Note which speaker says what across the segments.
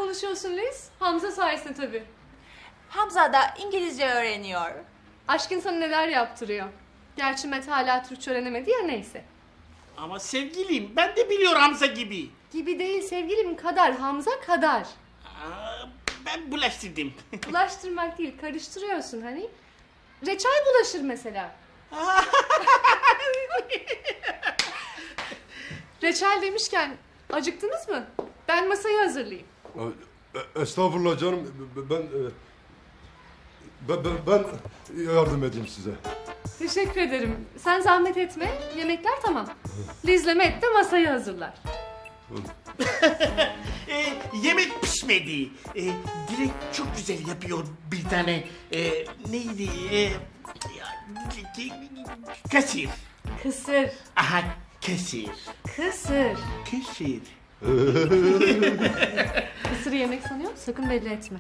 Speaker 1: konuşuyorsun Liz? Hamza sayesinde tabii.
Speaker 2: Hamza da İngilizce öğreniyor.
Speaker 1: Aşk insanı neler yaptırıyor. Gerçi Mete hala Türkçe öğrenemedi ya, neyse.
Speaker 3: Ama sevgilim ben de biliyorum Hamza gibi.
Speaker 1: Gibi değil sevgilim, kadar Hamza kadar.
Speaker 3: Ben bulaştırdım.
Speaker 1: Bulaştırmak değil, karıştırıyorsun hani. Reçel bulaşır mesela. Reçel demişken acıktınız mı? Ben masayı hazırlayayım.
Speaker 4: Estağfurullah canım. Ben yardım edeyim size.
Speaker 1: Teşekkür ederim. Sen zahmet etme. Yemekler tamam. Liz'le Met de masayı hazırlar.
Speaker 3: Yemek pişmedi. Dilek çok güzel yapıyor bir tane. Neydi? Kasir.
Speaker 1: Kısır.
Speaker 3: Aha kasir.
Speaker 1: Kısır.
Speaker 3: Kasir.
Speaker 1: Kısırı yemek sanıyor, sakın belli etme.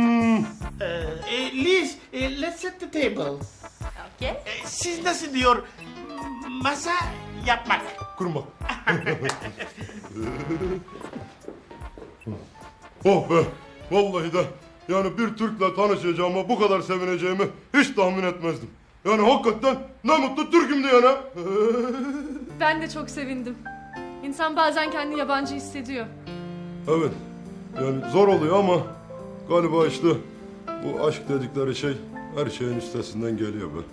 Speaker 3: Liz, let's set the table.
Speaker 2: Okay.
Speaker 3: Siz nasıl diyor? Masa yapmak.
Speaker 4: Kurmak. Oh be! Vallahi de yani bir Türk'le tanışacağıma bu kadar sevineceğimi hiç tahmin etmezdim. Yani hakikaten ne mutlu Türk'üm diyene.
Speaker 1: Ben de çok sevindim. İnsan bazen kendini yabancı hissediyor.
Speaker 4: Evet. Yani zor oluyor ama galiba işte bu aşk dedikleri şey her şeyin üstesinden geliyor be.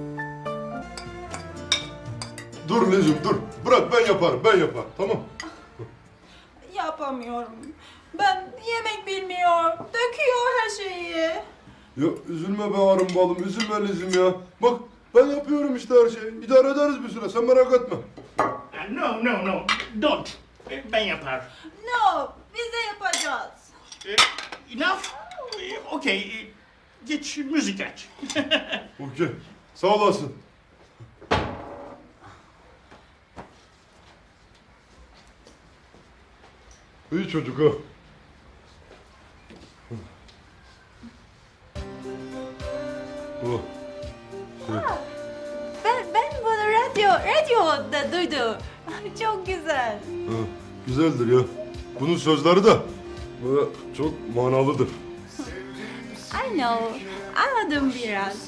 Speaker 4: Dur Lizim dur. Bırak ben yaparım tamam.
Speaker 2: Yapamıyorum. Ben yemek bilmiyor. Döküyor her şeyi.
Speaker 4: Ya üzülme be arım balım, üzülme Lizim ya. Bak ben yapıyorum işte her şeyi. İdare ederiz bir süre, sen merak etme.
Speaker 3: No, don't. Ben yapar.
Speaker 2: No, biz de yapacağız.
Speaker 3: Enough? Okay, geç müzik aç.
Speaker 4: Okey, sağ olasın. İyi çocuk ha. Oh.
Speaker 2: Ben bunu radyoda duydum. Çok güzel.
Speaker 4: Ha, güzeldir ya. Bunun sözleri de böyle çok manalıdır.
Speaker 2: I know. Anladım biraz.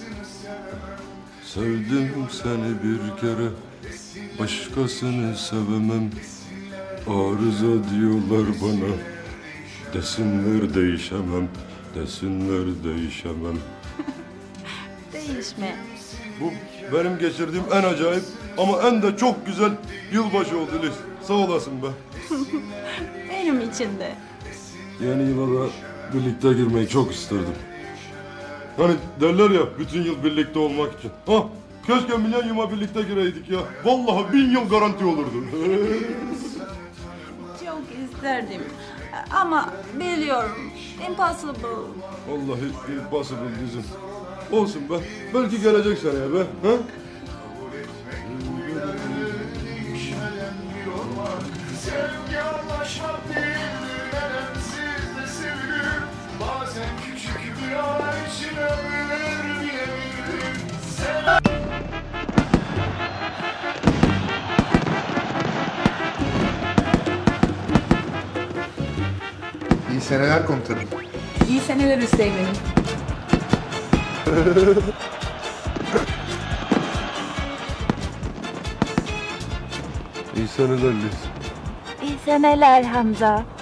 Speaker 4: Sevdim seni bir kere, başkasını sevemem. Arıza diyorlar bana, desinler değişemem, desinler değişemem.
Speaker 2: Değişme.
Speaker 4: Bu benim geçirdiğim en acayip ama en de çok güzel yılbaşı oldu Liz. Sağ olasın be.
Speaker 2: Benim için de.
Speaker 4: Yeni yıla da birlikte girmeyi çok isterdim. Hani derler ya bütün yıl birlikte olmak için. Ha, keşke milenyuma birlikte gireydik ya. Vallahi 1000 yıl garanti olurdu.
Speaker 2: Çok isterdim. Ama biliyorum. Impossible.
Speaker 4: Vallahi impossible bizim. Olsun be. Belki gelecek seneye be. Ha?
Speaker 5: Sevgi anlaşmak değildir, nedensiz de sevilir. Bazen küçük bir an için ömür bilebilir.
Speaker 6: İyi seneler komutanım.
Speaker 7: İyi seneler Hüseyin'im.
Speaker 4: İyi seneler Liz.
Speaker 2: İyi seneler Hamza.